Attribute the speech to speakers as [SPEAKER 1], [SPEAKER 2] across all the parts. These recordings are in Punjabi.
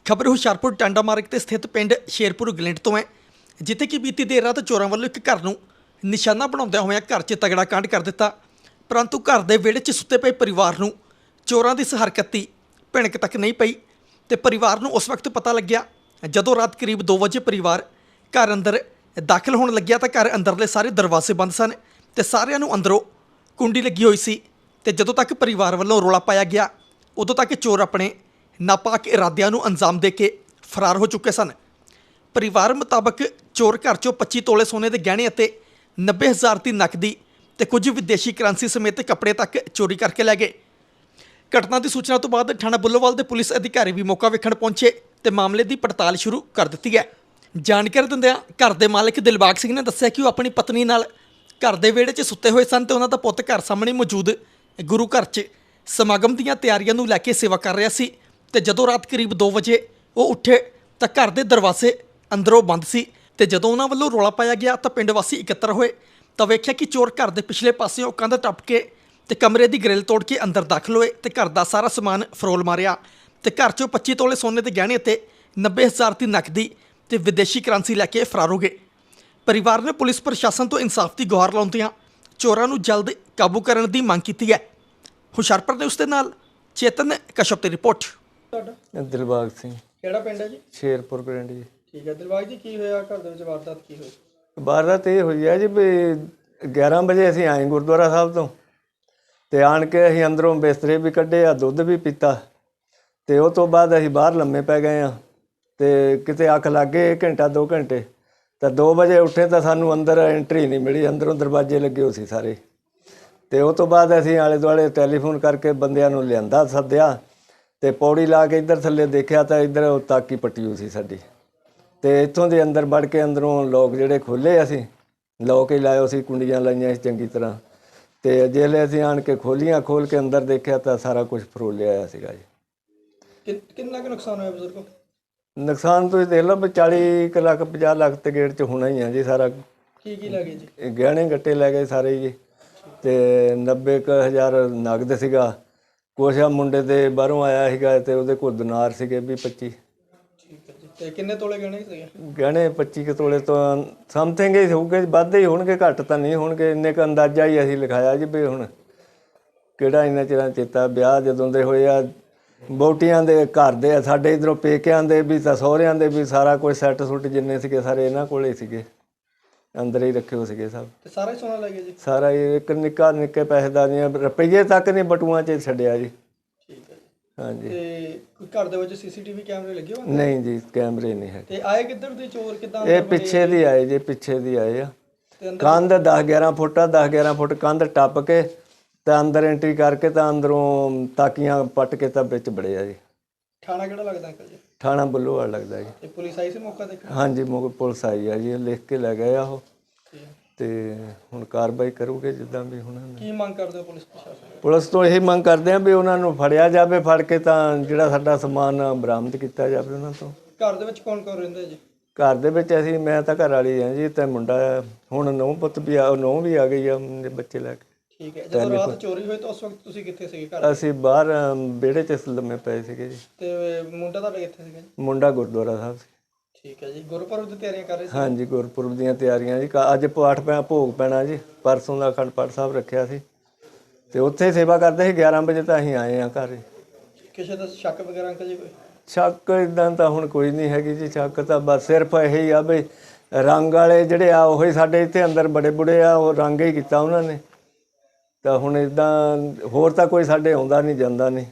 [SPEAKER 1] खबर हुशियारपुर टांडा मार्ग ते स्थित पिंड शेरपुर गलिंड तो है, जिथे कि बीती देर रात चोरां वालों एक घर नूं निशाना बनाउंदिआं होइआं घर 'च तगड़ा कांड कर दिता। परंतु घर दे विहड़े 'च सुत्ते पए परिवार नूं चोरां दी इस हरकत दी भਿਣਕ तक नहीं पई ते परिवार नूं उस वक्त पता लग्या जदों रात करीब 2 वजे परिवार घर अंदर दाखिल होण लग्या तां घर अंदरले सारे दरवाजे बंद सन ते सारिआं नूं अंदरों कुंडी लगी हुई सी ते जदों तक परिवार वालों रौला पाया गया उदों तक चोर अपने नापाक इरादिਆਂ ਨੂੰ अंजाम दे के फरार हो चुके सन। परिवार मुताबक चोर घर चों 25 तोले सोने के गहने ਅਤੇ 90,000 ਦੀ नकदी ਤੇ ਕੁਝ ਵਿਦੇਸ਼ੀ ਕਰੰਸੀ ਸਮੇਤ ਕੱਪੜੇ ਤੱਕ ਚੋਰੀ ਕਰਕੇ ਲੈ ਗਏ। ਘਟਨਾ ਦੀ ਸੂਚਨਾ ਤੋਂ ਬਾਅਦ ਥਾਣਾ ਬੁੱਲੋਵਾਲ ਦੇ ਪੁਲਿਸ ਅਧਿਕਾਰੀ ਵੀ ਮੌਕਾ ਵੇਖਣ ਪਹੁੰਚੇ ਤੇ ਮਾਮਲੇ ਦੀ ਪੜਤਾਲ ਸ਼ੁਰੂ ਕਰ ਦਿੱਤੀ ਹੈ। ਜਾਣਕਾਰੀ ਦਿੰਦਿਆਂ ਘਰ ਦੇ ਮਾਲਕ ਦਿਲਬਾਗ ਸਿੰਘ ਨੇ ਦੱਸਿਆ ਕਿ ਉਹ ਆਪਣੀ ਪਤਨੀ ਨਾਲ ਘਰ ਦੇ ਵਿਹੜੇ 'ਚ ਸੁੱਤੇ ਹੋਏ ਸਨ ਤੇ ਉਹਨਾਂ ਦਾ ਪੁੱਤ ਘਰ ਸਾਹਮਣੇ ਮੌਜੂਦ ਗੁਰੂ ਘਰ 'ਚ ਸਮਾਗਮ ਦੀਆਂ ਤਿਆਰੀਆਂ ਨੂੰ ਲੈ ਕੇ ਸੇਵਾ ਕਰ ਰਿਹਾ ਸੀ ਤੇ ਜਦੋਂ ਰਾਤ ਕਰੀਬ 2 ਵਜੇ ਉਹ ਉੱਠੇ ਤਾਂ ਘਰ ਦੇ ਦਰਵਾਜ਼ੇ ਅੰਦਰੋਂ ਬੰਦ ਸੀ ਤੇ ਜਦੋਂ ਉਹਨਾਂ ਵੱਲੋਂ ਰੌਲਾ ਪਾਇਆ ਗਿਆ ਤਾਂ ਪਿੰਡ ਵਾਸੀ ਇਕੱਤਰ ਹੋਏ ਤਾਂ ਵੇਖਿਆ ਕਿ ਚੋਰ ਘਰ ਦੇ ਪਿਛਲੇ ਪਾਸਿਓਂ ਕੰਧ ਟੱਪ ਕੇ ਤੇ ਕਮਰੇ ਦੀ ਗ੍ਰਿਲ ਤੋੜ ਕੇ ਅੰਦਰ ਦਾਖਲ ਹੋਏ ਤੇ ਘਰ ਦਾ ਸਾਰਾ ਸਮਾਨ ਫਰੋਲ ਮਾਰਿਆ ਤੇ ਘਰ 'ਚੋਂ 25 ਤੋਲੇ ਸੋਨੇ ਦੇ ਗਹਿਣੇ ਅਤੇ 90,000 ਦੀ ਨਕਦੀ ਤੇ ਵਿਦੇਸ਼ੀ ਕਰੰਸੀ ਲੈ ਕੇ ਫਰਾਰ ਹੋ ਗਏ। ਪਰਿਵਾਰ ਨੇ ਪੁਲਿਸ ਪ੍ਰਸ਼ਾਸਨ ਤੋਂ ਇਨਸਾਫ ਦੀ ਗੁਹਾਰ ਲਾਉਂਦਿਆਂ ਚੋਰਾਂ ਨੂੰ ਜਲਦ ਕਾਬੂ ਕਰਨ ਦੀ ਮੰਗ ਕੀਤੀ ਹੈ। ਹੁਸ਼ਿਆਰਪੁਰ ਨੇ ਉਸ ਦੇ ਨਾਲ ਚੇਤਨ ਕਸ਼ਪ ਦੀ ਰਿਪੋਰਟ।
[SPEAKER 2] ਤੁਹਾਡਾ ਦਿਲਬਾਗ ਸਿੰਘ
[SPEAKER 1] ਕਿਹੜਾ ਪਿੰਡ ਹੈ ਜੀ?
[SPEAKER 2] ਸ਼ੇਰਪੁਰ ਪਿੰਡ ਜੀ।
[SPEAKER 1] ਠੀਕ ਹੈ ਦਿਲਬਾਗ ਜੀ, ਕੀ ਹੋਇਆ ਘਰ ਦੇ ਵਿੱਚ ਵਾਰਦਾਤ ਕੀ ਹੋਈ?
[SPEAKER 2] ਵਾਰਦਾਤ ਇਹ ਹੋਈ ਹੈ ਜੀ ਵੀ 11 ਵਜੇ ਅਸੀਂ ਆਏ ਗੁਰਦੁਆਰਾ ਸਾਹਿਬ ਤੋਂ ਤੇ ਆਣ ਕੇ ਅਸੀਂ ਅੰਦਰੋਂ ਬਿਸਤਰੇ ਵੀ ਕੱਢੇ ਆ, ਦੁੱਧ ਵੀ ਪੀਤਾ ਤੇ ਉਹ ਤੋਂ ਬਾਅਦ ਅਸੀਂ ਬਾਹਰ ਲੰਮੇ ਪੈ ਗਏ ਆ ਤੇ ਕਿਤੇ ਅੱਖ ਲੱਗ ਗਏ ਘੰਟਾ 2 ਘੰਟੇ ਤਾਂ 2 ਵਜੇ ਉੱਠੇ ਤਾਂ ਸਾਨੂੰ ਅੰਦਰ ਐਂਟਰੀ ਨਹੀਂ ਮਿਲੀ। ਅੰਦਰੋਂ ਦਰਵਾਜ਼ੇ ਲੱਗੇ ਹੋ ਸੀ ਸਾਰੇ ਤੇ ਉਹ ਤੋਂ ਬਾਅਦ ਅਸੀਂ ਆਲੇ ਦੁਆਲੇ ਟੈਲੀਫੋਨ ਕਰਕੇ ਬੰਦਿਆਂ ਨੂੰ ਲਿਆਂਦਾ ਸੱਦਿਆ ਤੇ ਪੌੜੀ ਲਾ ਕੇ ਇੱਧਰ ਥੱਲੇ ਦੇਖਿਆ ਤਾਂ ਇੱਧਰ ਤਾਕੀ ਪੱਟੀ ਹੋਈ ਸੀ ਸਾਡੀ ਤੇ ਇੱਥੋਂ ਦੇ ਅੰਦਰ ਵੜ ਕੇ ਅੰਦਰੋਂ ਲੋਕ ਜਿਹੜੇ ਖੋਲ੍ਹੇ ਅਸੀਂ ਲੋਕ ਹੀ ਲਾਇਓ ਸੀ, ਕੁੰਡੀਆਂ ਲਾਈਆਂ ਸੀ ਚੰਗੀ ਤਰ੍ਹਾਂ ਤੇ ਜਿਹਲੇ ਅਸੀਂ ਆਣ ਕੇ ਖੋਲ੍ਹੀਆਂ ਖੋਲ੍ਹ ਕੇ ਅੰਦਰ ਦੇਖਿਆ ਤਾਂ ਸਾਰਾ ਕੁਝ ਫਰੋਲਿਆ ਆਇਆ ਸੀਗਾ ਜੀ।
[SPEAKER 1] ਕਿੰਨਾ ਕੁ ਨੁਕਸਾਨ ਹੋਇਆ ਬਜ਼ੁਰਗੋ?
[SPEAKER 2] ਨੁਕਸਾਨ ਤੁਸੀਂ ਦੇਖ ਲਓ ਵੀ 40 ਕੁ ਲੱਖ 50 ਲੱਖ ਤੇ ਗੇੜ 'ਚ ਹੋਣਾ ਹੀ ਆ ਜੀ ਸਾਰਾ।
[SPEAKER 1] ਕੀ ਲੈ ਗਏ ਜੀ?
[SPEAKER 2] ਗਹਿਣੇ ਗੱਟੇ ਲੈ ਗਏ ਸਾਰੇ ਜੀ ਤੇ 90,000 ਨਗਦ ਸੀਗਾ। ਕੁਛ ਆ ਮੁੰਡੇ ਦੇ ਬਾਹਰੋਂ ਆਇਆ ਸੀਗਾ ਤੇ ਉਹਦੇ ਕੋਲ ਦਿਨਾਰ ਸੀਗੇ 20-25।
[SPEAKER 1] ਠੀਕ ਹੈ ਜੀ। ਤੇ ਕਿੰਨੇ ਤੋਲੇ ਗਹਿਣੇ ਸੀਗੇ?
[SPEAKER 2] ਗਹਿਣੇ 25 ਕੁ ਤੋਲੇ ਤੋਂ ਸਮਥਿੰਗ ਹੀ ਹੋਊਗੇ, ਵੱਧ ਹੀ ਹੋਣਗੇ, ਘੱਟ ਤਾਂ ਨਹੀਂ ਹੋਣਗੇ। ਇੰਨੇ ਕੁ ਅੰਦਾਜ਼ਾ ਹੀ ਅਸੀਂ ਲਿਖਾਇਆ ਜੀ ਵੀ ਹੁਣ ਕਿਹੜਾ ਇੰਨਾ ਚਿਰਾਂ ਚੇਤਾ। ਵਿਆਹ ਜਦੋਂ ਦੇ ਹੋਏ ਆ ਵਹੁਟੀਆਂ ਦੇ ਘਰ ਦੇ ਆ ਸਾਡੇ ਇੱਧਰੋਂ ਪੇਕਿਆਂ ਦੇ ਵੀ ਤਾਂ ਸਹੁਰਿਆਂ ਦੇ ਵੀ ਸਾਰਾ ਕੁਝ ਸੈੱਟ ਸੁੱਟ ਜਿੰਨੇ ਸੀਗੇ ਸਾਰੇ ਇਹਨਾਂ ਕੋਲ ਹੀ ਸੀਗੇ, ਅੰਦਰ ਹੀ ਰੱਖੇ ਹੋ ਸੀਗੇ ਸਭ।
[SPEAKER 1] ਤੇ ਸਾਰਾ ਸੋਨਾ ਲੈ ਗਏ ਜੀ? ਸਾਰਾ
[SPEAKER 2] ਹੀ ਇੱਕ ਨਿੱਕੇ ਪੈਸੇ ਨਹੀਂ ਰੁਪਈਏ ਤੱਕ ਨਹੀਂ ਬਟੂਆਂ 'ਚ ਛੱਡਿਆ ਜੀ।
[SPEAKER 1] ਠੀਕ ਹੈ ਜੀ।
[SPEAKER 2] ਹਾਂਜੀ।
[SPEAKER 1] ਤੇ ਘਰ ਦੇ ਵਿੱਚ ਸੀਸੀਟੀਵੀ ਕੈਮਰੇ ਲੱਗੇ ਹੋਏ?
[SPEAKER 2] ਨਹੀਂ ਜੀ, ਕੈਮਰੇ ਨਹੀਂ ਹੈ।
[SPEAKER 1] ਤੇ ਆਏ ਕਿੱਧਰ ਦੇ ਚੋਰ? ਕਿੱਦਾਂ?
[SPEAKER 2] ਇਹ ਪਿੱਛੇ ਦੀ ਆਏ ਜੀ, ਪਿੱਛੇ ਦੀ ਆਏ ਆ। ਕੰਧ 10-11 ਫੁੱਟ ਆ, 10-11 ਫੁੱਟ ਕੰਧ ਟੱਪ ਕੇ ਤਾਂ ਅੰਦਰ ਐਂਟਰੀ ਕਰਕੇ ਤਾਂ ਅੰਦਰੋਂ ਤਾਕੀਆਂ ਪੱਟ ਕੇ ਤਾਂ ਵਿੱਚ ਬੜੇ ਆ ਜੀ।
[SPEAKER 1] ਥਾਣਾ ਕਿਹੜਾ ਲੱਗਦਾ ਅੰਕਲ ਜੀ?
[SPEAKER 2] ਥਾਣਾ ਬੁੱਲੋਵਾਲ ਲੱਗਦਾ ਜੀ।
[SPEAKER 1] ਤੇ ਪੁਲਿਸ ਆਈ ਸੀ ਮੌਕਾ ਦੇਖਣ? ਹਾਂਜੀ,
[SPEAKER 2] ਪੁਲਿਸ ਆਈ ਆ ਜੀ, ਲਿਖ ਕੇ ਲੈ ਗਏ ਆ ਉਹ ਤੇ ਹੁਣ ਕਾਰਵਾਈ ਕਰੂਗੇ ਜਿੱਦਾਂ ਵੀ ਹੁਣ।
[SPEAKER 1] ਕੀ ਮੰਗ ਕਰਦੇ ਹੋ ਪੁਲਿਸ ਪ੍ਰਸ਼ਾਸਨ?
[SPEAKER 2] ਪੁਲਿਸ ਤੋਂ ਇਹੀ ਮੰਗ ਕਰਦੇ ਆ ਵੀ ਉਹਨਾਂ ਨੂੰ ਫੜਿਆ ਜਾਵੇ, ਫੜ ਕੇ ਤਾਂ ਜਿਹੜਾ ਸਾਡਾ ਸਮਾਨ ਬਰਾਮਦ ਕੀਤਾ ਜਾਵੇ ਉਹਨਾਂ ਤੋਂ।
[SPEAKER 1] ਘਰ ਦੇ ਵਿੱਚ ਕੌਣ ਕੌਣ ਰਹਿੰਦਾ ਜੀ?
[SPEAKER 2] ਘਰ ਦੇ ਵਿੱਚ ਮੈਂ ਤਾਂ ਘਰ ਵਾਲੀ ਹਾਂ ਜੀ ਤੇ ਮੁੰਡਾ ਹੁਣ ਨੂੰਹ ਪੁੱਤ ਵੀ ਆ, ਨੂੰਹ ਵੀ ਆ ਗਈ ਆ ਬੱਚੇ ਲੈ ਕੇ।
[SPEAKER 1] ਠੀਕ ਹੈ। ਜਦੋਂ ਰਾਤ ਚੋਰੀ ਹੋਈ ਤਾਂ ਉਸ ਵਕਤ ਤੁਸੀਂ ਕਿੱਥੇ ਸੀਗੇ ਘਰ?
[SPEAKER 2] ਅਸੀਂ ਬਾਹਰ ਵਿਹੜੇ 'ਚ ਲੰਮੇ ਪਏ ਸੀਗੇ ਜੀ।
[SPEAKER 1] ਤੇ ਮੁੰਡਾ ਤੁਹਾਡਾ ਕਿੱਥੇ ਸੀਗਾ ਜੀ?
[SPEAKER 2] ਮੁੰਡਾ ਗੁਰਦੁਆਰਾ ਸਾਹਿਬ ਸੀ।
[SPEAKER 1] ਠੀਕ ਹੈ ਜੀ। ਗੁਰਪੁਰਬ ਦੀ ਤਿਆਰੀਆਂ ਕਰ ਰਹੇ ਸੀ?
[SPEAKER 2] ਹਾਂਜੀ, ਗੁਰਪੁਰਬ ਦੀਆਂ ਤਿਆਰੀਆਂ ਜੀ। ਅੱਜ ਪਾਠ ਭੋਗ ਪੈਣਾ ਜੀ, ਪਰਸੋਂ ਦਾ ਅਖੰਡ ਪਾਠ ਸਾਹਿਬ ਰੱਖਿਆ ਸੀ ਤੇ ਉੱਥੇ ਸੇਵਾ ਕਰਦੇ ਸੀ। 11 ਵਜੇ ਤਾਂ ਅਸੀਂ ਆਏ ਹਾਂ ਘਰ। ਕਿਸੇ
[SPEAKER 1] ਦਾ ਸ਼ੱਕ ਵਗੈਰਾ ਅੰਕਲ ਜੀ? ਕੋਈ
[SPEAKER 2] ਸ਼ੱਕ ਇੱਦਾਂ ਤਾਂ ਹੁਣ ਕੋਈ ਨਹੀਂ ਹੈਗੀ ਜੀ। ਸ਼ੱਕ ਤਾਂ ਬਸ ਸਿਰਫ ਇਹੀ ਆ ਵੀ ਰੰਗ ਵਾਲੇ ਜਿਹੜੇ ਆ ਉਹੀ ਸਾਡੇ ਇੱਥੇ ਅੰਦਰ ਬੜੇ ਬੁੜੇ ਆ, ਉਹ ਰੰਗ ਹੀ ਕੀਤਾ ਉਹਨਾਂ ਨੇ। ਤਾਂ ਹੁਣ ਇੱਦਾਂ ਹੋਰ ਤਾਂ ਕੋਈ ਸਾਡੇ ਆਉਂਦਾ ਨਹੀਂ ਜਾਂਦਾ ਨਹੀਂ।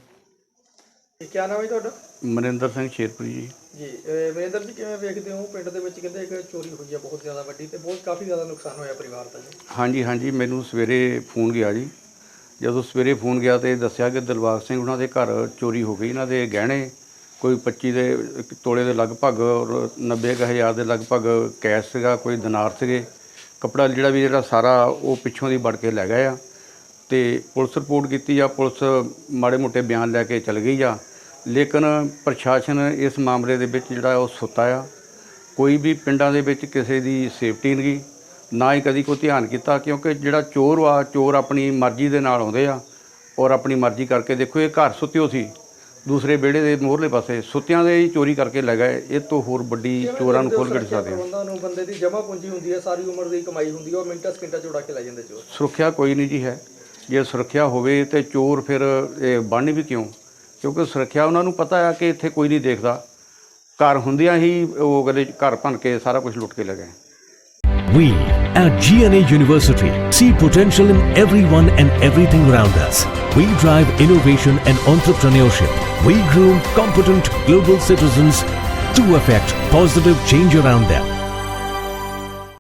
[SPEAKER 1] ਕੀ ਨਾਮ ਹੈ ਤੁਹਾਡਾ?
[SPEAKER 3] ਮਨਿੰਦਰ ਸਿੰਘ ਸ਼ੇਰਪੁਰੀ ਜੀ।
[SPEAKER 1] ਜੀ ਮਨਿੰਦਰ ਜੀ, ਕਿਵੇਂ ਵੇਖਦੇ ਹੋ ਪਿੰਡ ਦੇ ਵਿੱਚ ਕਹਿੰਦੇ ਇੱਕ ਚੋਰੀ ਹੋਈ ਹੈ ਬਹੁਤ ਜ਼ਿਆਦਾ ਵੱਡੀ ਤੇ ਕਾਫੀ ਜ਼ਿਆਦਾ ਨੁਕਸਾਨ ਹੋਇਆ ਪਰਿਵਾਰ ਦਾ ਜੀ?
[SPEAKER 3] ਹਾਂਜੀ, ਮੈਨੂੰ ਸਵੇਰੇ ਫੋਨ ਗਿਆ ਜੀ। ਜਦੋਂ ਸਵੇਰੇ ਫੋਨ ਗਿਆ ਤੇ ਦੱਸਿਆ ਕਿ ਦਿਲਬਾਗ ਸਿੰਘ ਉਹਨਾਂ ਦੇ ਘਰ ਚੋਰੀ ਹੋ ਗਈ। ਇਹਨਾਂ ਦੇ ਗਹਿਣੇ ਕੋਈ 25 ਤੋਲੇ ਦੇ ਲਗਭਗ ਔਰ 90,000 ਦੇ ਲਗਭਗ ਕੈਸ਼ ਸੀਗਾ, ਕੋਈ ਦਿਨਾਰ ਸੀਗੇ, ਕੱਪੜਾ ਜਿਹੜਾ ਸਾਰਾ ਉਹ ਪਿੱਛੋਂ ਦੀ ਵੜ ਕੇ ਲੈ ਗਏ ਆ। ਤੇ ਪੁਲਿਸ ਰਿਪੋਰਟ ਕੀਤੀ ਆ, ਪੁਲਿਸ ਮਾੜੇ ਮੋਟੇ ਬਿਆਨ ਲੈ ਕੇ ਚਲ ਗਈ ਆ। ਲੇਕਿਨ ਪ੍ਰਸ਼ਾਸਨ ਇਸ ਮਾਮਲੇ ਦੇ ਵਿੱਚ ਜਿਹੜਾ ਉਹ ਸੁੱਤਾ ਆ। ਕੋਈ ਵੀ ਪਿੰਡਾਂ ਦੇ ਵਿੱਚ ਕਿਸੇ ਦੀ ਸੇਫਟੀ ਨਹੀਂ, ਨਾ ਹੀ ਕਦੀ ਕੋਈ ਧਿਆਨ ਕੀਤਾ, ਕਿਉਂਕਿ ਜਿਹੜਾ ਚੋਰ ਆਪਣੀ ਮਰਜ਼ੀ ਦੇ ਨਾਲ ਆਉਂਦੇ ਆ ਔਰ ਆਪਣੀ ਮਰਜ਼ੀ ਕਰਕੇ। ਦੇਖੋ ਇਹ ਘਰ ਸੁੱਤਿਓ ਸੀ, ਦੂਸਰੇ ਵਿਹੜੇ ਦੇ ਮੋਹਰਲੇ ਪਾਸੇ ਸੁੱਤਿਆਂ ਦੇ ਹੀ ਚੋਰੀ ਕਰਕੇ ਲੈ ਗਏ। ਇਹ ਤੋਂ ਹੋਰ ਵੱਡੀ ਚੋਰਾਂ ਨੂੰ ਖੋਲ੍ਹ ਕੇ ਦਿਖਾ ਸਕਦੇ ਹਾਂ।
[SPEAKER 1] ਪ੍ਰਬੰਧਾਂ ਨੂੰ ਬੰਦੇ ਦੀ ਜਮ੍ਹਾਂ ਪੂੰਜੀ ਹੁੰਦੀ ਹੈ, ਸਾਰੀ ਉਮਰ ਦੀ ਕਮਾਈ ਹੁੰਦੀ ਹੈ, ਉਹ ਮਿੰਟਾਂ ਸਕਿੰਟਾਂ 'ਚ ਉਡਾ ਕੇ ਲੈ ਜਾਂਦੇ ਚੋਰ।
[SPEAKER 3] ਸੁਰੱਖਿਆ ਕੋਈ ਨਹੀਂ ਜੀ ਹੈ। ਜੇ ਸੁਰੱਖਿਆ ਹੋਵੇ ਤੇ ਚੋਰ ਫਿਰ ਇਹ ਬਣਨ ਵੀ ਕਿਉਂ? ਕਿਉਂਕਿ ਸੁਰੱਖਿਆ ਉਹਨਾਂ ਨੂੰ ਪਤਾ ਹੈ ਕਿ ਇੱਥੇ ਕੋਈ ਨਹੀਂ ਦੇਖਦਾ। ਘਰ ਹੁੰਦਿਆਂ ਹੀ ਉਹ ਕਹਿੰਦੇ ਘਰ ਭੰਨ ਕੇ ਸਾਰਾ ਕੁਝ ਲੁੱਟ ਕੇ ਲੈ ਗਏ।
[SPEAKER 4] We at GNA University see potential in everyone and everything around us. We drive innovation and entrepreneurship. We groom competent global citizens to affect positive change around them.